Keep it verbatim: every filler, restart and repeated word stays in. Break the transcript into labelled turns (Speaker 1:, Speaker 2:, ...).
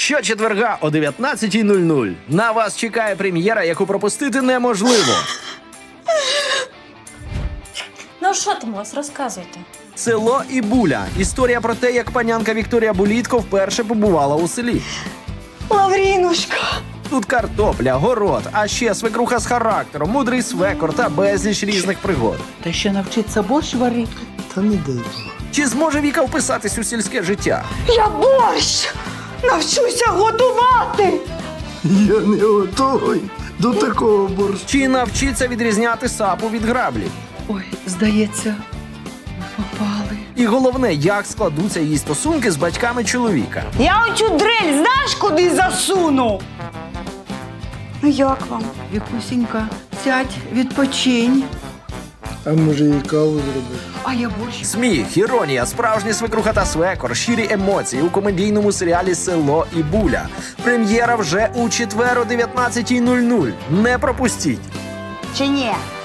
Speaker 1: Щочетверга о дев'ятнадцятій нуль нуль на вас чекає прем'єра, яку пропустити неможливо.
Speaker 2: Ну що там у вас, розказуйте.
Speaker 1: «Село і Буля» – історія про те, як панянка Вікторія Булітко вперше побувала у селі.
Speaker 3: Лаврінушка!
Speaker 1: Тут картопля, город, а ще свекруха з характером, мудрий свекор та безліч різних пригод.
Speaker 4: Та ще навчиться борщ варити.
Speaker 5: Та не дай Бог.
Speaker 1: Чи зможе Віка вписатись у сільське життя?
Speaker 3: Я борщ! Навчуся готувати!
Speaker 5: Я не готовий до такого борщу.
Speaker 1: Чи навчиться відрізняти сапу від граблі?
Speaker 4: Ой, здається, ми попали.
Speaker 1: І головне, як складуться її стосунки з батьками чоловіка.
Speaker 3: Я оцю дрель знаєш, куди засуну? Ну як вам?
Speaker 4: Вікусінька, сядь, відпочинь.
Speaker 5: А може їй каву зробити?
Speaker 4: А я борщ.
Speaker 1: Сміх, іронія, справжня свекруха та свекор, щирі емоції у комедійному серіалі «Село і Буля». Прем'єра вже у четвер о дев'ятнадцятій нуль нуль. Не пропустіть!
Speaker 3: Чи ні?